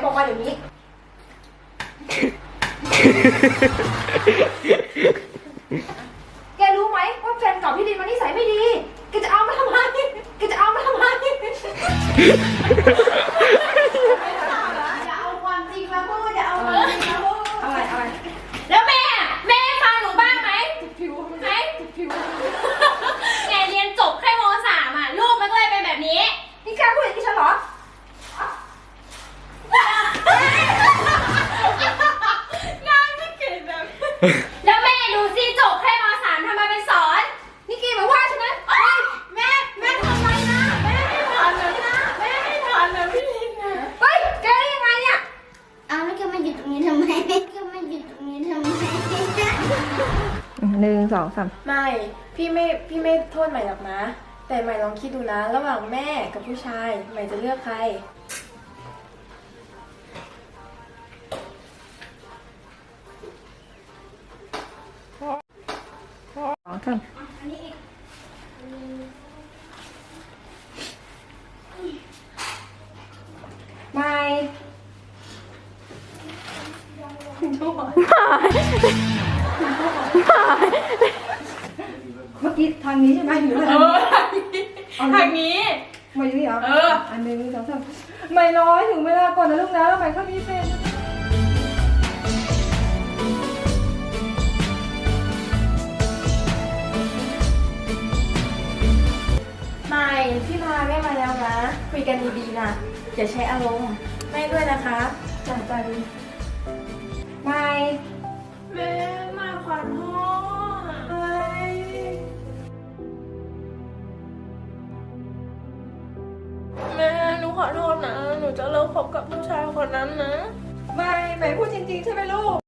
บอกมาเดี๋ยวนี้ แกรู้ไหมว่าแฟนเก่าพี่ลินมันนิสัยไม่ดี แกจะเอามาทำไม แกจะเอามาทำไม อย่าเอาความจริงมาพูดอย่าเอาความจริงมาพูดเอาไงแล้วแม่ฟังหนูบ้างไหมไหมแกเรียนจบแค่ม.3อ่ะลูกมันก็เลยเป็นแบบนี้นี่แกพูดอย่างนี้ฉันเหรองานไม่เก่งแบบแล้วแม่ดูสิจบแค่ม.3ทำไมเป็นสอนนี่แกมาว่าฉันนะแม่ทำไรนะแม่ไม่ทันนะแม่ไม่ทันนะพี่ลินนะเฮ้ยแกได้ยังไงเนี่ยเอาแล้วแกมาอยู่ตรงนี้ทำไมแกมาอยู่ตรงนี้ทำไม 1 2 3 ไม่พี่ไม่โทษใหม่หรอกนะ แต่ใหม่ลองคิดดูนะ ระหว่างแม่กับผู้ชายใหม่จะเลือกใครไม่เมื่อกี้ทางนี้ใช่ไหมหรือทางนี้ทางนี้มาอยู่นี่เหรออัน1 2 3ไม่น้อยถึงเวลาก่อนนะลูกนะแล้วใหม่เขามีแฟนไม่พี่พาแม่มาแล้วนะ คุยกันดีๆนะอย่าใช้อารมณ์แม่ด้วยนะคะจังใจไม่แม่มาขอโทษแม่หนูขอโทษนะ หนูจะเลิกคบกับผู้ชายคนนั้นนะไม่พูดจริงๆใช่ไหมลูก